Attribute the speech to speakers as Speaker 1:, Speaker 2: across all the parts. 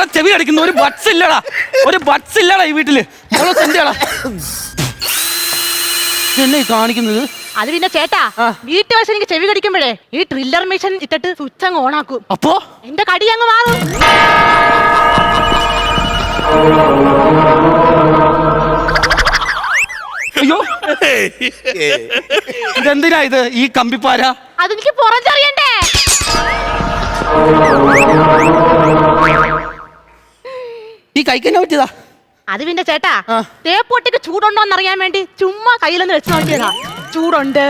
Speaker 1: മോളെ ചെവി അടിക്കുന്നു. ഒരു ബഡ്സ് ഇല്ലടാ, ഒരു ബഡ്സ് ഇല്ലടാ ഈ വീട്ടില്. മോളെ എന്തിയാടാ എന്നെ കാണിക്കുന്നത്?
Speaker 2: അത് പിന്നെ ചേട്ടാ, വീട്ടിൽ വെച്ച് എനിക്ക് ചെവി കടിക്കുമ്പോഴേ ഈ ട്രില്ലർ മെഷീൻ ഇട്ടിട്ട് സ്വിച്ച് അങ്ങ് ഓണാക്കും.
Speaker 1: അപ്പോ
Speaker 2: എന്റെ കടി അങ്ങ് മാറും.
Speaker 1: അയ്യോ, ഇതെന്തിനാ ഇത് ഈ കമ്പിപ്പാര?
Speaker 2: അതെനിക്ക് പുറഞ്ചറിയണ്ടേ.
Speaker 1: ഈ കൈക്കെന്നെ പറ്റിയതാ?
Speaker 2: അത് പിന്നെ ചേട്ടാ, തേപ്പൊട്ടിക്ക് ചൂടുണ്ടോന്ന് അറിയാൻ വേണ്ടി ചുമ്മാ കയ്യിലൊന്ന് വെച്ച് നോക്കിയതാ. ചൂടുണ്ട്.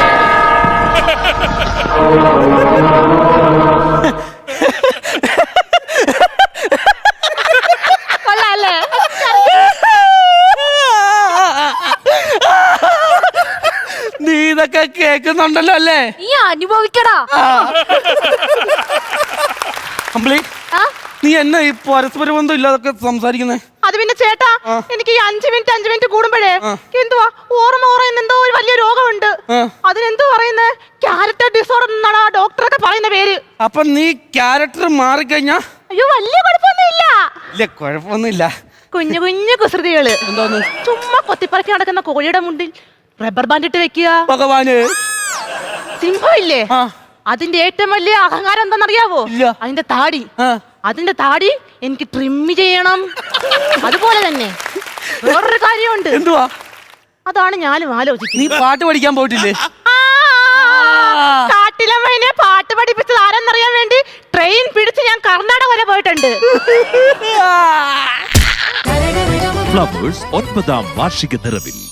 Speaker 2: കൊള്ളാല്ലേ?
Speaker 1: നീ ഇതൊക്കെ കേൾക്കുന്നുണ്ടല്ലോ അല്ലേ?
Speaker 2: നീ അനുഭവിക്കടാ.
Speaker 1: അമ്പിളി, നീ എന്നെ ഈ പരസ്പര ബന്ധം ഇല്ലാതൊക്കെ സംസാരിക്കുന്നേ? അത്
Speaker 2: പിന്നെ ചേട്ടാ, എനിക്ക് ഈ 5 മിനിറ്റ് കൂടുമ്പോഴേ എന്തുവാ ഓർമ്മ എന്തോ ഒരു വലിയ രോഗമുണ്ട്. അതിനെന്തോ പറയുന്നത് ക്യാരക്ടർ ഡിസോർഡർ എന്നാണ് ആ ഡോക്ടറൊക്കെ പറയുന്ന പേര്.
Speaker 1: അപ്പൊ നീ ക്യാരക്ടർ മാറിക്കഴിഞ്ഞാ?
Speaker 2: അയ്യോ, വലിയ കുഴപ്പമൊന്നുമില്ല.
Speaker 1: ഇല്ല, കുഴപ്പമൊന്നുമില്ല.
Speaker 2: കുഞ്ഞു കുഞ്ഞു കുസൃതികള്. എന്തോന്ന്? ചുമ്മാ കൊത്തിപ്പറക്കി നടക്കുന്ന കോഴിയുടെ മുണ്ടിൽ റബ്ബർ ബാൻഡ് ഇട്ട് വെക്കുക.
Speaker 1: ഭഗവാന്,
Speaker 2: സിംഹം ഇല്ലേ, അതിന്റെ ഏറ്റവും വലിയ അഹങ്കാരം എന്താണെന്നറിയാവോ? അതിന്റെ താടി. അതിന്റെ താടി എനിക്ക് ട്രിം ചെയ്യണം. അതുപോലെ തന്നെ വേറൊരു കാര്യമുണ്ട്.
Speaker 1: എന്തുവാ?
Speaker 2: അതാണ് ഞാനും ആലോചിക്കുന്നത്.
Speaker 1: നീ പാട്ട് പഠിക്കാൻ പോയിട്ടില്ലേ?
Speaker 2: കാട്ടിലമ്മനെ പാട്ട് പഠിപ്പിച്ചത് ആരെന്നറിയാൻ വേണ്ടി ട്രെയിൻ പിടിച്ച് ഞാൻ കർണാടക വരെ പോയിട്ടുണ്ട്.
Speaker 3: ഫ്ലവേഴ്സ് 9ാം വാർഷിക നിറവിൽ